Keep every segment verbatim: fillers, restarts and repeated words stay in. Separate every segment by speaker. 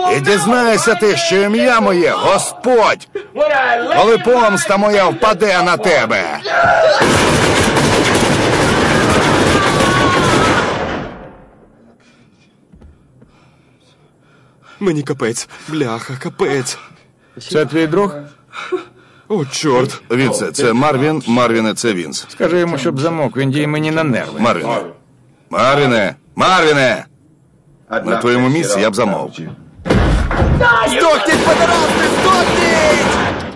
Speaker 1: І дізнаєшся ти, що ім'я моє Господь, коли помста моя впаде на тебе.
Speaker 2: Мені капець. Бляха, капець.
Speaker 3: Це твій друг?
Speaker 2: О, чорт.
Speaker 1: Вінсе, це Марвін, Марвіне, це Вінс.
Speaker 3: Скажи йому, щоб замовк, він діє мені на нерви.
Speaker 1: Марвіне. Марвіне! Марвіне! На твоєму місці я б замовк.
Speaker 2: Здохніть, подорожні, здохніть!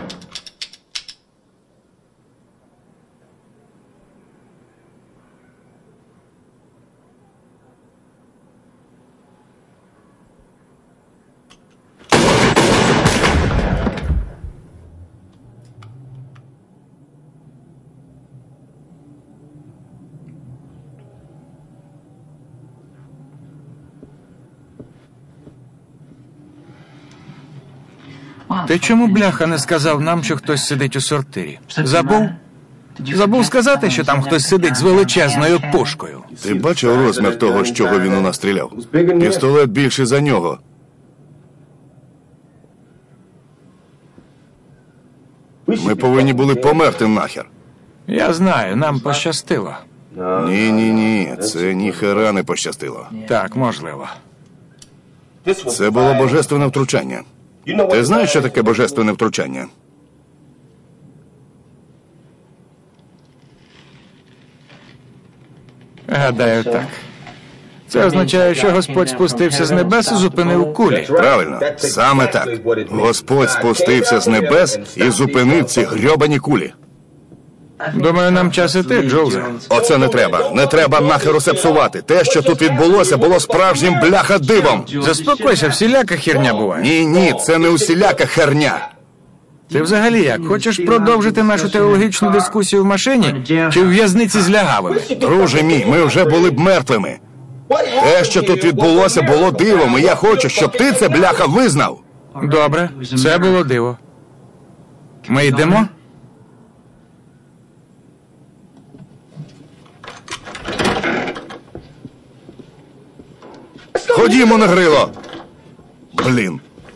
Speaker 3: Ти чому, бляха, не сказав нам, що хтось сидить у сортирі? Забув? Забув сказати, що там хтось сидить з величезною пушкою.
Speaker 1: Ти бачив розмір того, з чого він у нас стріляв? Пістолет більший за нього. Ми повинні були померти нахер.
Speaker 3: Я знаю, нам пощастило.
Speaker 1: Ні-ні-ні, це ніхера не пощастило.
Speaker 3: Так, можливо.
Speaker 1: Це було божественне втручання. Ти знаєш, що таке божественне втручання?
Speaker 3: Гадаю, так. Це означає, що Господь спустився з небес і зупинив кулі.
Speaker 1: Правильно, саме так. Господь спустився з небес і зупинив ці грьобані кулі.
Speaker 3: Думаю, нам час іти, Джулзе.
Speaker 1: Оце не треба. Не треба нахер усе псувати. Те, що тут відбулося, було справжнім бляха-дивом.
Speaker 3: Заспокойся, всіляка херня буває.
Speaker 1: Ні-ні, це не усіляка херня.
Speaker 3: Ти взагалі як? Хочеш продовжити нашу теологічну дискусію в машині чи в в'язниці з лягавими?
Speaker 1: Друже мій, ми вже були б мертвими. Те, що тут відбулося, було дивом, і я хочу, щоб ти це, бляха, визнав.
Speaker 3: Добре, це було диво. Ми йдемо?
Speaker 1: Ходімо на грило. Блін.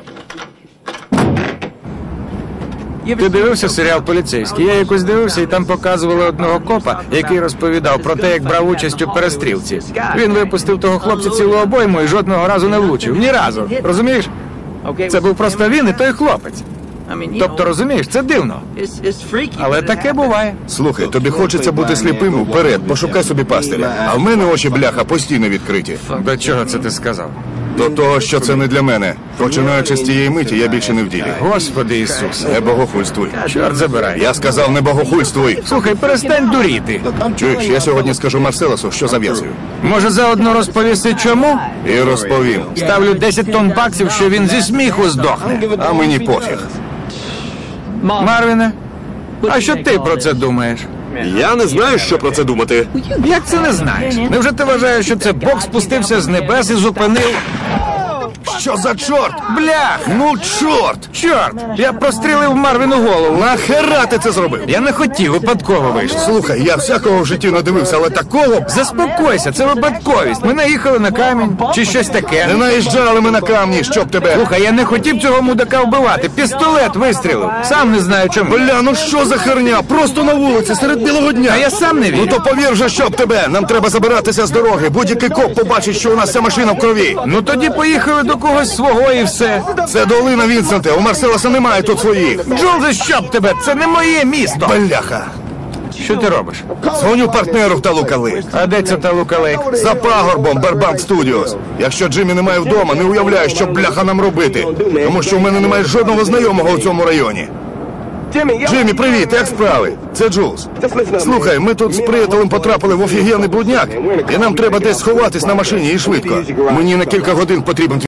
Speaker 3: Ти дивився серіал «Поліцейський»? Я якось дивився, і там показували одного копа, який розповідав про те, як брав участь у перестрілці. Він випустив того хлопця цілу обойму і жодного разу не влучив. Ні разу. Розумієш? Це був просто він і той хлопець. Тобто, розумієш, це дивно. Але таке буває.
Speaker 1: Слухай, тобі хочеться бути сліпим? Вперед, пошукай собі пастиря. А в мене очі, бляха, постійно відкриті.
Speaker 3: До чого це ти сказав?
Speaker 1: До того, що це не для мене. Починаючи з тієї миті, я більше не в ділі.
Speaker 3: Господи Ісусе.
Speaker 1: Не богохульствуй.
Speaker 3: Чорт забирай.
Speaker 1: Я сказав, не богохульствуй.
Speaker 3: Слухай, перестань дуріти.
Speaker 1: Чуєш, я сьогодні скажу Марселесу, що зав'язую.
Speaker 3: Може, заодно розповісти чому?
Speaker 1: І розповім.
Speaker 3: Ставлю десять тонн баксів, що він зі сміху здохне.
Speaker 1: А мені пофіг.
Speaker 3: Марвіне, а що ти про це думаєш?
Speaker 2: Я не знаю, що про це думати.
Speaker 3: Як це не знаєш? Невже ти вважаєш, що це Бог спустився з небес і зупинив?
Speaker 1: Що за чорт?
Speaker 3: Блях!
Speaker 1: Ну, чорт!
Speaker 3: Чорт! Я прострілив Марвіну голову.
Speaker 1: Нахера ти це зробив?
Speaker 3: Я не хотів, випадково вийшло.
Speaker 1: Слухай, я всякого в житті надивився, але такого...
Speaker 3: Заспокойся, це випадковість. Ми наїхали на камінь, чи щось таке.
Speaker 1: Не наїжджали ми на камні, щоб тебе...
Speaker 3: Слухай, я не хотів цього мудака вбивати. Пістолет вистрілив. Сам не знаю чому.
Speaker 1: Бля, ну що за херня? Просто на вулиці, серед білого дня.
Speaker 3: А я сам не вірю.
Speaker 1: Ну то повір же, щоб тебе. Нам треба забиратися з дороги. Будь-який коп побачить, що у нас вся машина в крові.
Speaker 3: Ну тоді поїхали до когось свого і все.
Speaker 1: Це долина, Вінсенте. У Марселеса немає тут своїх.
Speaker 3: Джулзе, щоб тебе? Це не моє місто.
Speaker 1: Бляха.
Speaker 3: Що ти робиш?
Speaker 1: Дзвоню партнеру в Талука Лейк.
Speaker 3: А де це Талука Лейк?
Speaker 1: За пагорбом, Барбанк Студіос. Якщо Джиммі немає вдома, не уявляю, що бляха нам робити. Тому що в мене немає жодного знайомого в цьому районі. Джиммі, привіт, як справи? Це Джулс. Слухай, ми тут з приятелем потрапили в офігенний брудняк, і нам треба десь сховатись на машині і швидко. Мені на кілька годин потрібен